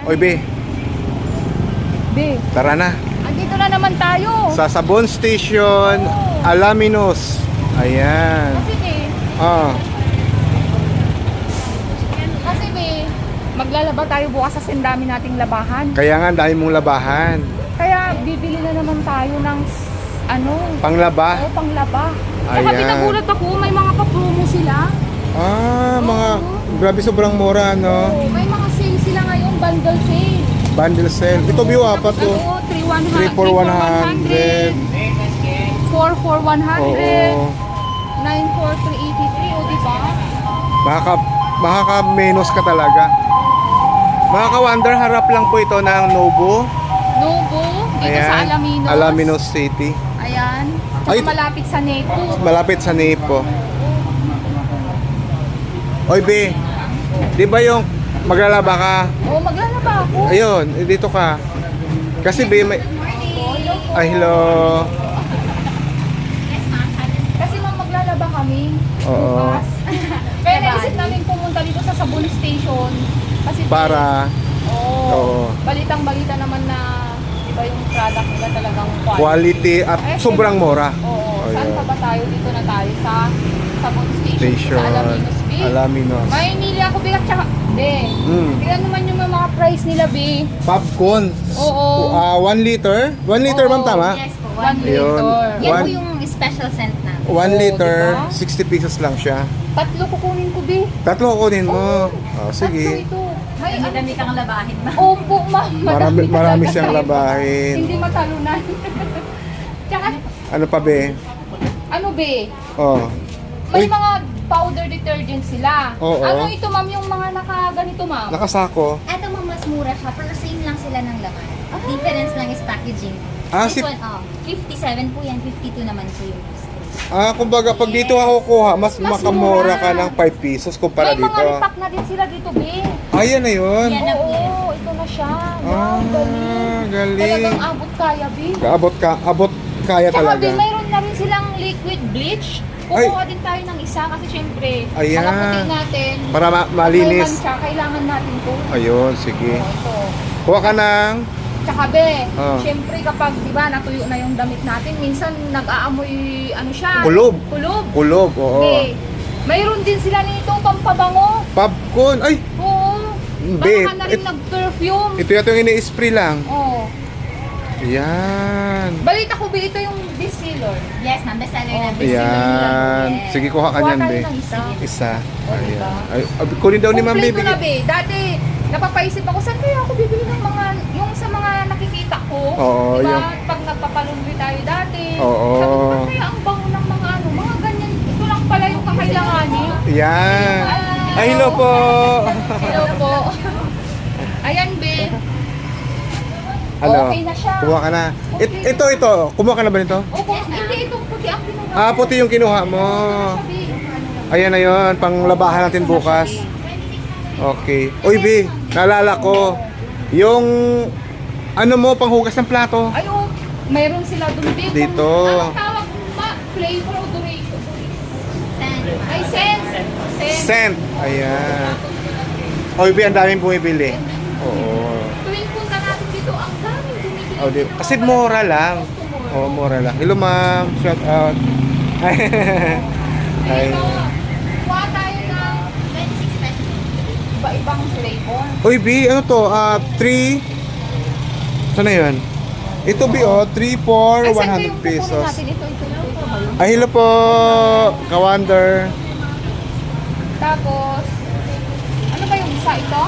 Oy, B. B, Tara na. andito na naman tayo. Sa Sabon Station, Alaminos. Ayan. Kasi B, kasi B, maglalaba tayo bukas sa sindami nating labahan. Kaya nga, dahil mong labahan. Kaya bibili na naman tayo ng Panglaba. panglaba. Tsaka Ayan. pinagulat ako, may mga pa-promo sila. Grabe, sobrang mura, no? Oo, may mga sale sila ngayon, bundle sale. Bundle sale. Ito, view, apat to. 3 for 100. 4 for 100. Oo. 9 for 383. O, diba? Makaka-menos ka talaga. Mga ka-wonder, harap lang po ito ng Nobu. Nobu, dito sa Alaminos. Alaminos City. Ayan. Ay, Tsaka malapit sa Nepo. malapit sa Nepo. Oy, B. Di ba yung maglalaba ka? Oo, maglalaba ako. Ayun, dito ka. Kasi B, may... Ay, hello. Kasi ma'am, maglalaba kami. Oo. Bukas. Kaya naisip namin pumunta dito sa Sabon Station. Kasi Para... Oo. Balitang-balita naman na iba yung product nila talagang Quality at sobrang mura. Oo. Saan Ayun. pa ba tayo? Dito na tayo sa Sabon Station. Station. Sa Alaminos B. Alaminos. May nili ako bigat tsaka. Be. Tignan naman yung mga price nila, Be. Popcorn. Oo. 1 liter? 1 liter, Oo. ma'am, tama? Yes po, 1 Ayun. liter. Yan One- po yung special scent namin. 1 liter, diba? 60 pesos lang siya. Tatlo kukunin ko, Be. Tatlo kunin mo. Tatlo Sige. ito. May Dami kang labahin ba? Opo, ma'am. Marami talaga siyang tayo. labahin. Hindi matalunan. Tsaka, Ano pa, be? ano, Be? Oh. May Uy, mga powder detergent sila. Oo. Ano ito, ma'am, yung mga nakaganito, ma'am? nakasako. Eto mo, mas mura siya, pero same lang sila ng laman. Difference lang is packaging. Si- This one, 57 po yan, 52 naman po yung Kumbaga, pag dito ako kuha, mas Mas makamura mura. ka ng 5 pesos kumpara May dito. mga repack na din sila dito, Be. Ayan na yun. Yan na po yan. Oo, ito na siya. Wow, galing. galing. Talagang abot kaya, Be. Abot kaya Tsaka, talaga. Be, mayroon na rin silang liquid bleach. Kukuha din tayo ng isa kasi syempre, Ayan. mga puti natin. Para malinis. Siya, kailangan natin to. Ayun, sige. Ito. Kuha ka ng... Tsaka, Be, Ah. syempre kapag, di ba, natuyo na yung damit natin, minsan nag-aamoy, ano siya? Kulob. Kulob. Kulob, oo. Be, mayroon din sila nito pampabango. Popcorn. Ay, Oo. Be, Baka na rin nag-perfume. ito yata yung ini-spray lang. Oo. Ayan. Balita ko, Be, ito yung distiller. Yes, ma'am, bestseller Oh, namin. Ayan. Yes. Sige, kuha ka Kuha niyan, tayo be. ng isa. Isa. Oh, Ayan. diba? Ay, kunin daw ni Ma'am Kompleto Baby. na, Be. Dati, napapaisip ako, saan kaya ako bibili ng mga, yung sa mga nakikita ko. Oo, diba? yung- Pag nagpapalundri tayo dati. Oo. Sabi ko, "Ba't kaya ang bango ng mga ano, mga ganyan. Ito lang pala yung kakailanganin. Ayan. Ay, hello po. Hello po. Ayan, Be. Ano? Okay na siya. Kumuha ka na. Okay. Ito. Kumuha ka na ba nito? Opo, hindi itong puti ang kinuha. Puti yung kinuha mo. Ayan na yun. Panglabahan natin bukas. Okay. Uy, B. Naalala ko. Yung ano mo, panghugas ng plato. Ay, oh, mayroon sila dun dito. Dito. Anong tawag mo, ma? Flavor o duration? Scent. Ay, sense. Scent. Ayan. Uy, B, ang daming bumibili. Oo. Tuwing punta natin dito, ang daming bumibili. Oh, di, kasi mura lang. Oo, mura lang. Hello, ma'am. Shout out. Ay. Dito, kuha tayo ng 26 pesos. iba-ibang flavor. Uy, B, ano to? 3... Saan na yun? Ito, B, 3 for Ay, saan 100 yung kukunin pesos. natin? Ito ba yun? Ay, hello po, ka-wonder. Tapos, ano ba yung isa ito?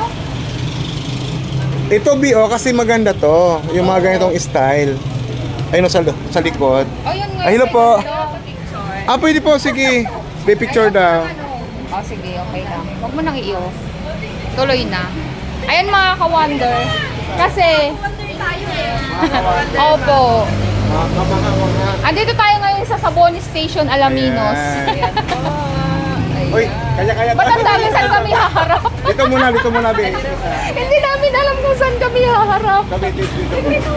Ito, B, kasi maganda to. Yung mga ganitong style. Ay, no, sa likod. Oh, yun nga. Ay, hello po. Picture. Pwede po, sige. May picture daw. Oh, sige, okay lang. Huwag mo nang i-off. Tuloy na. Ayan mga ka-wonder. Kasi, opo. Andito tayo ngayon sa Sabon Station, Alaminos. Ayan. Uy, kaya-kaya. Ba't ang dami saan kami haharap? Dito muna, B. Hindi namin alam kung saan kami haharap. Dito.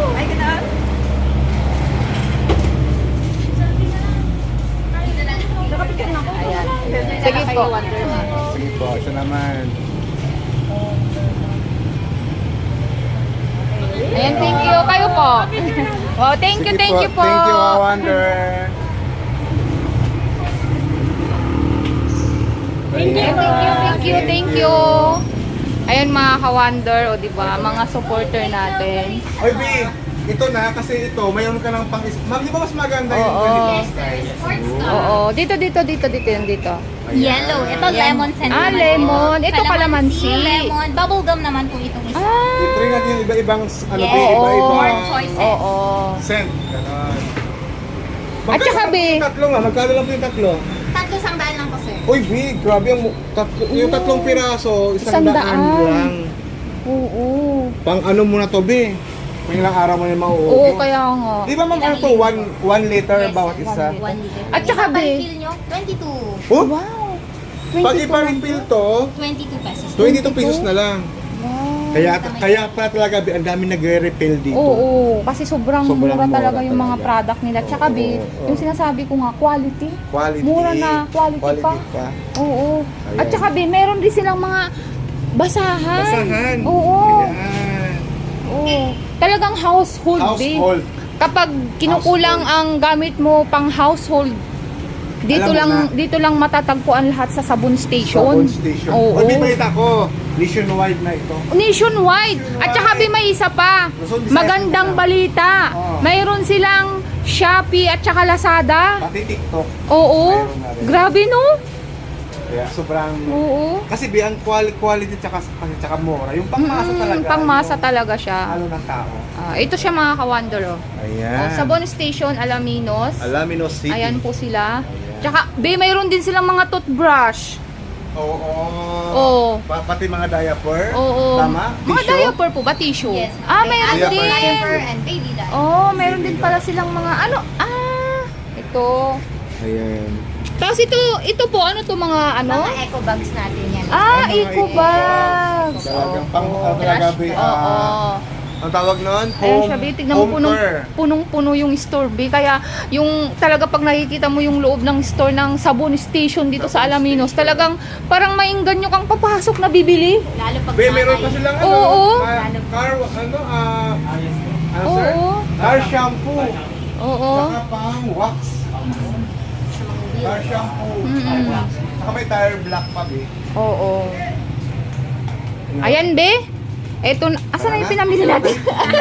Ayan. Sige po. Sige po, ito naman. Ayan, thank you. Kayo po. Wow, thank you Sige po. Thank you, Wonder. Thank you. Ayan mga ka-wonder, o diba, mga supporter natin. Oy, B, ito na kasi ito, mayroon ka ng pang Ma'am, di ba mas maganda yung Oo. ganito? Sports ka. Oo, dito, yun dito. Yellow. Ito Ayan. lemon scent Ah, naman lemon. po. Ito calamansi. Lemon. Bubblegum naman po itong isa. Ah, I-try natin yung iba-ibang, ano, Yes. B, iba-ibang More choices. oo. scent. Ganon. At saka, B, Yung tatlo nga, magkano lang po yung tatlo? Tatlo sandaan lang po, sir. Uy, B, grabe yung tatlong piraso, isang daan 100. lang. oo. Pang ano muna to, B? Pang ilang araw mo na Oo, mauubo. kaya nga. Di ba ma'am, ano to, 1 liter Yes, bawat sir. isa? 1 liter. At saka, Yung be, pa-refill nyo, 22. Oh, Wow. pag 22 ipa-refill to, 22 pesos. 22 pesos na lang. Wow. Kaya pa talaga, B, ang dami nagre-refill dito. Oo, kasi sobrang Sobrang mura talaga mura yung mga talaga. product nila. Tsaka, Oo, be, oo. yung sinasabi ko nga, quality. Quality. Mura na, quality pa. Oo. Ayan. At saka, be, meron din silang mga basahan. Basahan. Oo. Ayan. Oo. Talagang household, be. Household. Kapag kinukulang ang gamit mo pang household, dito Alam mo dito lang matatagpuan lahat sa Sabon Station. Sabon station. Oo. Uy, may balita ko. Nationwide na ito. Nationwide. At saka be, may isa pa. Luzon, Visayas, Magandang Mindanao. balita. Oo. Mayroon silang Shopee at saka Lazada. Pati TikTok. Oo. Mayroon na rin. Grabe, no? Kaya sobrang... Oo. Kasi B, ang quality tsaka mura. Yung pangmasa talaga. Pangmasa yung talaga siya. halo ng tao. Ito siya mga ka-wonder. Oh. Ayan. Sabon Station, Alaminos. Alaminos City. Ayan po sila. Tsaka, be, mayroon din silang mga toothbrush. Oo. Oo. Pati mga diaper. Oo. Tama? Mga Tissue? diaper po ba? Tissue? Yes. Mayroon Diaper. din. Diaper and baby diaper. Oh, mayroon din pala silang mga ano. Ito. Ayan. Tapos ito po, ano to mga ano? Mga eco bags natin yan. Mga Eco bags. Talagang pang talaga B. Oo. Ang tawag nun? Ayan siya, be. Tignan mo, care. punong-puno yung store, be. Kaya, yung talaga pag nakikita mo yung loob ng store ng Sabon Station dito sa Alaminos, talagang parang maingganyo kang papasok na bibili. Lalo pag Be, meron pa nanay. silang Oo. car, ano sir? Oo. Car shampoo. Oo. Saka pang wax. Car shampoo. Mm-mm. Wax. Saka may tire black pa, be. Oo. Ayan, be. Eto, asan na yung pinamili natin?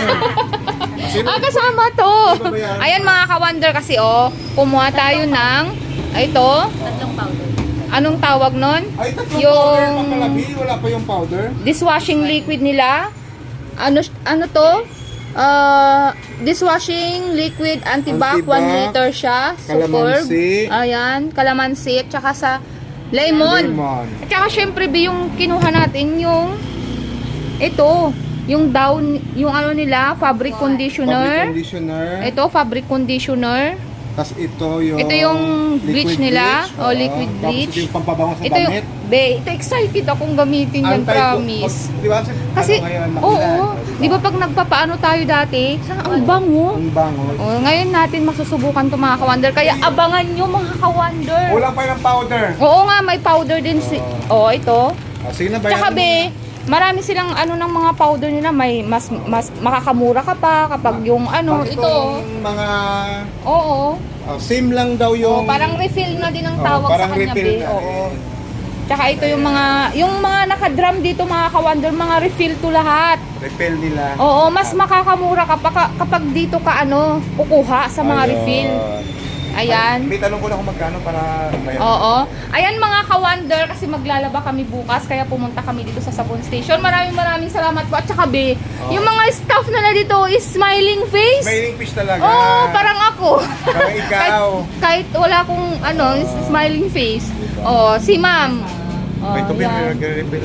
Kasama to. Ayan mga ka-wonder kasi, kumuha tayo ng, ito, Tatlong powder. anong tawag nun? Ay, tatlong Yung powder pa pala, be. Wala pa yung powder. dishwashing liquid nila. Ano to? Dishwashing liquid antibac, 1 Antibac, liter siya. Superb. kalamansi. Ayan, kalamansi. At saka sa lemon. At saka syempre, be, yung kinuha natin, yung ito, yung down, yung ano nila, fabric conditioner. Fabric conditioner. Ito, fabric conditioner. Tapos ito yung... Ito yung bleach liquid nila. bleach. O, liquid Tapos bleach. ito yung pampabango sa Ito yung, damit. be, ito excited akong gamitin yan, promise. Di ba? Kasi, ano ngayon, oo, makulan, di ba pag nagpapaano tayo dati, ang bango. Ang bango. Ngayon natin masusubukan to mga ka-wonder. Kaya abangan nyo mga ka-wonder. Kulang pa ng powder. Oo nga, may powder din si... ito. Sige na, bayaran Tsaka mo be, na. marami silang ano ng mga powder nila, may mas makakamura ka pa kapag yung ano, Pag ito. itong mga... Oo. same lang daw yung... Parang refill na din ang Oo, tawag sa parang kanya, refill be. na Oo. rin. Tsaka ito yung mga nakadrum dito mga ka-wonder, mga refill to lahat. Refill nila. Oo, mas makakamura ka pa kapag dito ka kukuha sa mga Ayun. refill. Ayan. May tanong ko na kung magkano para bayaran. Oo. Ayan mga ka-wonder, kasi maglalaba kami bukas, kaya pumunta kami dito sa Sabon Station. Maraming salamat po. At saka be, yung mga staff na dito is smiling face. Smiling fish talaga. Oo, parang ako. Parang ikaw. kahit wala akong smiling face. Oh, si ma'am. Oh, May tubig yan. nag-refill.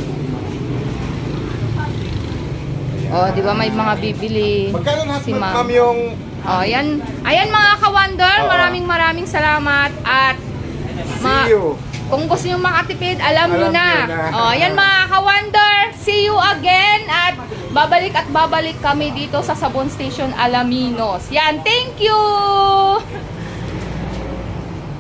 Oh, di ba may mga bibili. Magkano lahat si ma'am ma'am. yung... Oh, ayan. Ayan mga ka-wonder, Oo. maraming salamat at See you. kung gusto niyo makatipid, alam niyo Alam na. niyo na. Oh, ayan mga ka-wonder, see you again at babalik kami dito sa Sabon Station Alaminos. Yan, thank you.